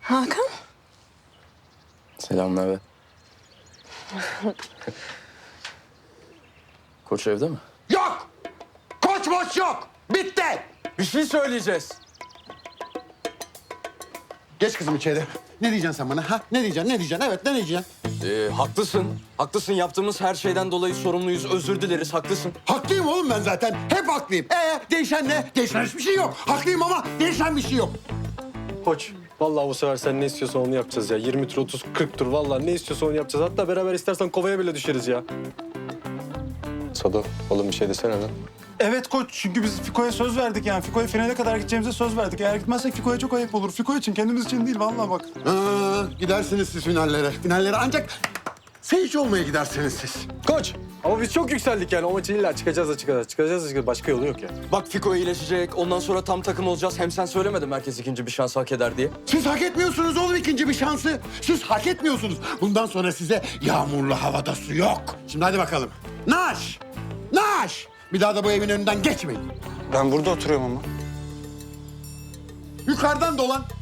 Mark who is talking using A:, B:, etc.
A: Hakan?
B: Selamlar. Koç evde mi?
C: Yok! Koç moç yok! Bitti!
B: Bir şey söyleyeceğiz.
C: Geç kızım içeri. Ne diyeceksin sen bana? Ha? Ne diyeceksin? Ne diyeceksin? Evet, ne diyeceksin?
B: Haklısın. Haklısın. Yaptığımız her şeyden dolayı sorumluyuz. Özür dileriz. Haklısın.
C: Haklıyım oğlum ben zaten. Hep haklıyım. Değişen ne? Değişen hiçbir şey yok. Haklıyım ama değişen bir şey yok.
D: Koç, vallahi bu sefer sen ne istiyorsan onu yapacağız ya. 20 tur, 30, 40 tur vallahi ne istiyorsan onu yapacağız. Hatta beraber istersen kovaya bile düşeriz ya. Sado, oğlum bir şey desene lan.
E: Evet koç, çünkü biz Fiko'ya söz verdik yani. Fiko'ya finale kadar gideceğimize söz verdik. Eğer gitmezsek Fiko'ya çok ayıp olur. Fiko için, kendimiz için değil vallahi bak.
C: Gidersiniz siz finallere. Finallere ancak seyirci olmaya gidersiniz siz.
D: Koç, ama biz çok yükseldik yani. O maçı illa çıkacağız da çıkacağız. Çıkacağız da çıkacağız. Başka yolu yok ya.
B: Bak Fiko iyileşecek. Ondan sonra tam takım olacağız. Hem sen söylemedin herkes ikinci bir şans hak eder diye.
C: Siz hak etmiyorsunuz oğlum ikinci bir şansı. Siz hak etmiyorsunuz. Bundan sonra size yağmurlu havada su yok. Şimdi hadi bakalım. Naş! Naş! Bir daha da bu evin önünden geçmeyin.
E: Ben burada oturuyorum ama.
C: Yukarıdan dolan.